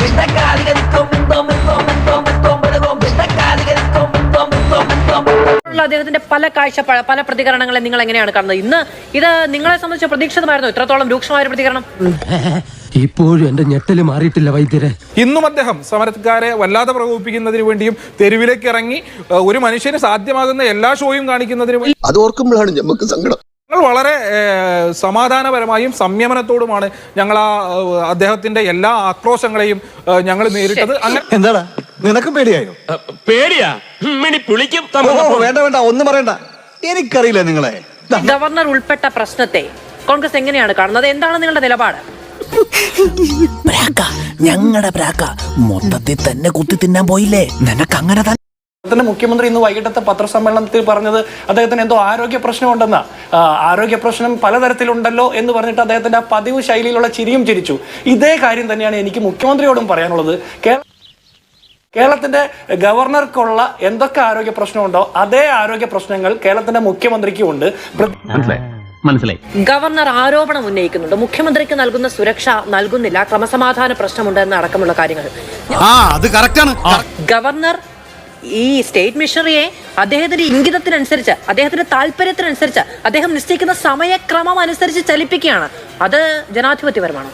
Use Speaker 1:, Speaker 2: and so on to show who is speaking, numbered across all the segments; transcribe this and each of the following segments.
Speaker 1: അദ്ദേഹത്തിന്റെ പല പ്രതികരണങ്ങളെ നിങ്ങൾ എങ്ങനെയാണ് കാണുന്നത്? ഇന്ന് ഇത് നിങ്ങളെ സംബന്ധിച്ച് പ്രതീക്ഷിതമായിരുന്നു ഇത്രത്തോളം രൂക്ഷമായ പ്രതികരണം?
Speaker 2: ഇപ്പോഴും എന്റെ ഞെട്ടല് മാറിയിട്ടില്ല വൈദ്യരെ.
Speaker 3: ഇന്നും അദ്ദേഹം സമരക്കാരെ വല്ലാതെ പ്രകോപിപ്പിക്കുന്നതിന് വേണ്ടിയും തെരുവിലേക്ക് ഇറങ്ങി ഒരു മനുഷ്യന് സാധ്യമാകുന്ന എല്ലാ ഷോയും കാണിക്കുന്നതിന് വേണ്ടി
Speaker 4: അത് ഓർക്കുമ്പോഴാണ് നമുക്ക് സങ്കടം.
Speaker 3: വളരെ സമാധാനപരമായും സംയമനത്തോടുമാണ് ഞങ്ങൾ അദ്ദേഹത്തിന്റെ എല്ലാ ആക്രോശങ്ങളെയും ഞങ്ങൾ നേരിട്ടത്.
Speaker 5: എന്താടാ നിനക്കും പേടിയായോ?
Speaker 6: പേടിയാ പുളിക്കും.
Speaker 5: വേണ്ട വേണ്ട ഒന്നും പറയണ്ട, എനിക്കറിയില്ല നിങ്ങളെ.
Speaker 1: ഗവർണർ ഉൾപ്പെട്ട പ്രശ്നത്തെ കോൺഗ്രസ് എങ്ങനെയാണ് കാണുന്നത്? എന്താണ് നിങ്ങളുടെ നിലപാട്?
Speaker 7: ഞങ്ങളുടെ പ്രാക്ക മൊത്തത്തിൽ തന്നെ കുത്തി തിന്നാൻ പോയില്ലേ? നിനക്ക് അങ്ങനെ തന്നെ.
Speaker 8: മുഖ്യമന്ത്രി ഇന്ന് വൈകിട്ടത്തെ പത്രസമ്മേളനത്തിൽ പറഞ്ഞത് അദ്ദേഹത്തിന് എന്തോ ആരോഗ്യ പ്രശ്നമുണ്ടെന്ന, ആരോഗ്യ പ്രശ്നം പലതരത്തിലുണ്ടല്ലോ എന്ന് പറഞ്ഞിട്ട് അദ്ദേഹത്തിന്റെ ആ പതിവ് ശൈലിയിലുള്ള ചിരിയും ചിരിച്ചു. ഇതേ കാര്യം തന്നെയാണ് എനിക്ക് മുഖ്യമന്ത്രിയോടും പറയാനുള്ളത്. കേരളത്തിന്റെ ഗവർണർക്കുള്ള എന്തൊക്കെ ആരോഗ്യ പ്രശ്നമുണ്ടോ അതേ ആരോഗ്യ പ്രശ്നങ്ങൾ കേരളത്തിന്റെ മുഖ്യമന്ത്രിക്കും ഉണ്ട്.
Speaker 6: മനസ്സിലായി.
Speaker 1: ഗവർണർ ആരോപണം ഉന്നയിക്കുന്നുണ്ട്, മുഖ്യമന്ത്രിക്ക് നൽകുന്ന സുരക്ഷ നൽകുന്നില്ല, ക്രമസമാധാന പ്രശ്നമുണ്ടെന്ന് അടക്കമുള്ള കാര്യങ്ങൾ. ഗവർണർ ഈ സ്റ്റേറ്റ് മിഷണറിയെ അദ്ദേഹത്തിന്റെ ഇംഗിതത്തിനനുസരിച്ച്, അദ്ദേഹത്തിന്റെ താല്പര്യത്തിനനുസരിച്ച്, അദ്ദേഹം നിശ്ചയിക്കുന്ന സമയക്രമം അനുസരിച്ച് ചലിപ്പിക്കുകയാണ്. അത് ജനാധിപത്യപരമാണ്.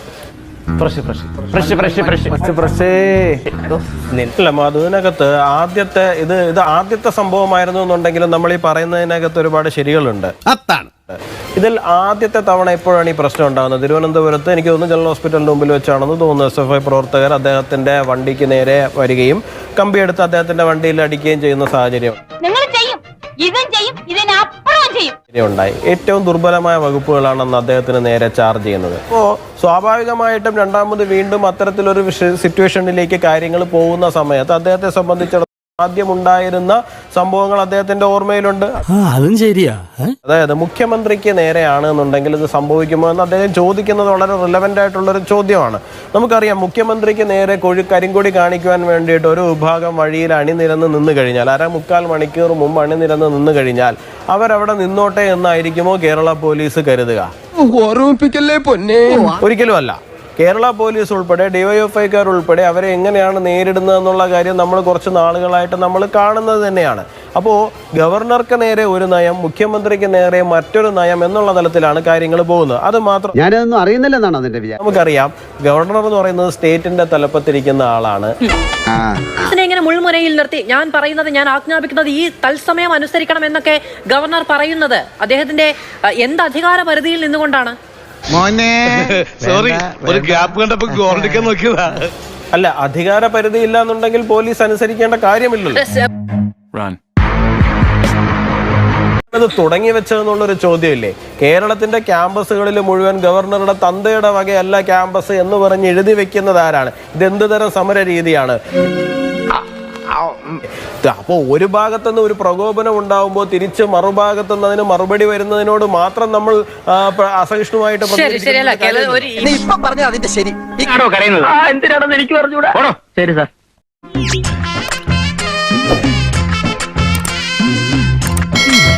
Speaker 9: അതിനകത്ത് ആദ്യത്തെ സംഭവമായിരുന്നു എന്നുണ്ടെങ്കിലും നമ്മൾ ഈ പറയുന്നതിനകത്ത് ഒരുപാട് ശരികളുണ്ട്. ഇതിൽ ആദ്യത്തെ തവണ എപ്പോഴാണ് ഈ പ്രശ്നം ഉണ്ടാകുന്നത്? തിരുവനന്തപുരത്ത് എനിക്ക് തോന്നുന്നു ജനറൽ ഹോസ്പിറ്റലിന്റെ മുമ്പിൽ വെച്ചാണെന്ന് തോന്നുന്നു. SFI പ്രവർത്തകർ അദ്ദേഹത്തിന്റെ വണ്ടിക്ക് നേരെ വരികയും കമ്പിയെടുത്ത് അദ്ദേഹത്തിന്റെ വണ്ടിയിൽ അടിക്കുകയും ചെയ്യുന്ന സാഹചര്യം ഉണ്ടായി. ഏറ്റവും ദുർബലമായ വകുപ്പുകളാണ് അന്ന് അദ്ദേഹത്തിന് നേരെ ചാർജ് ചെയ്യുന്നത്. അപ്പോൾ സ്വാഭാവികമായിട്ടും രണ്ടാമത് വീണ്ടും അത്തരത്തിലൊരു സിറ്റുവേഷനിലേക്ക് കാര്യങ്ങൾ പോകുന്ന സമയത്ത് അദ്ദേഹത്തെ സംബന്ധിച്ചിടത്തോളം ആദ്യം ഉണ്ടായിരുന്ന സംഭവങ്ങൾ അദ്ദേഹത്തിന്റെ ഓർമ്മയിലുണ്ട്.
Speaker 7: അതും ശരിയാ.
Speaker 9: അതായത് മുഖ്യമന്ത്രിക്ക് നേരെയാണ് എന്നുണ്ടെങ്കിൽ ഇത് സംഭവിക്കുമോ എന്ന് അദ്ദേഹം ചോദിക്കുന്നത് വളരെ റിലവൻ്റ് ആയിട്ടുള്ളൊരു ചോദ്യമാണ്. നമുക്കറിയാം, മുഖ്യമന്ത്രിക്ക് നേരെ കരിങ്കൊടി കാണിക്കുവാൻ വേണ്ടിയിട്ട് ഒരു വിഭാഗം വഴിയിൽ അണിനിരന്ന് നിന്ന് കഴിഞ്ഞാൽ, 1/4 മണിക്കൂർ മുമ്പ് അണിനിരന്ന് നിന്ന് കഴിഞ്ഞാൽ അവരവിടെ നിന്നോട്ടെ എന്നായിരിക്കുമോ കേരള പോലീസ് കരുതുക?
Speaker 2: ഓർമ്മിപ്പിക്കല്ലേ പൊന്നെ.
Speaker 9: ഒരിക്കലും അല്ല. കേരള പോലീസ് ഉൾപ്പെടെ DYFIക്കാർ ഉൾപ്പെടെ അവരെ എങ്ങനെയാണ് നേരിടുന്നത് എന്നുള്ള കാര്യം നമ്മൾ കുറച്ച് നാളുകളായിട്ട് നമ്മൾ കാണുന്നത് തന്നെയാണ്. അപ്പോൾ ഗവർണർക്ക് നേരെ ഒരു നയം, മുഖ്യമന്ത്രിക്ക് നേരെ മറ്റൊരു നയം എന്നുള്ള തലത്തിലാണ് കാര്യങ്ങൾ പോകുന്നത്. അത് മാത്രം
Speaker 5: ഞാനതൊന്നും അറിയുന്നില്ലെന്നാണ് അതിന്റെ വിചാരം.
Speaker 9: നമുക്കറിയാം, ഗവർണർ എന്ന് പറയുന്നത് സ്റ്റേറ്റിന്റെ തലപ്പത്തിരിക്കുന്ന ആളാണ്.
Speaker 1: ഇങ്ങനെ മുൾമുനയിൽ നിർത്തി ഞാൻ പറയുന്നത്, ഞാൻ ആജ്ഞാപിക്കുന്നത് ഈ തത്സമയം അനുസരിക്കണം എന്നൊക്കെ ഗവർണർ പറയുന്നത് അദ്ദേഹത്തിന്റെ എന്ത് അധികാര പരിധിയിൽ നിന്നുകൊണ്ടാണ്?
Speaker 6: സോറി, ഒരു ഗ്യാപ്പ് കണ്ടപ്പോ ഗോൾഡിക്കാൻ നോക്കിയതാ.
Speaker 9: അല്ല, അധികാര പരിധി ഇല്ല എന്നുണ്ടെങ്കിൽ പോലീസ് അനുസരിക്കേണ്ട കാര്യമില്ലല്ലോ. അത് തുടങ്ങി വെച്ചതെന്നുള്ളൊരു ചോദ്യമില്ലേ? കേരളത്തിന്റെ ക്യാമ്പസുകളിൽ മുഴുവൻ ഗവർണറുടെ തന്തയുടെ വകയല്ല ക്യാമ്പസ് എന്ന് പറഞ്ഞ് എഴുതി വെക്കുന്നത് ആരാണ്? ഇതെന്ത് തരം സമര രീതിയാണ്? അപ്പോൾ ഒരു ഭാഗത്തുനിന്ന് ഒരു പ്രകോപനം ഉണ്ടാവുമ്പോൾ തിരിച്ച് മറുഭാഗത്തുനിന്ന് അതിന് മറുപടി വരുന്നതിനോട് മാത്രം നമ്മൾ അസഹിഷ്ണുവായിട്ട്
Speaker 6: എന്തിനാണെന്ന് എനിക്ക് പറഞ്ഞുകൂടാ. ശരി സാർ.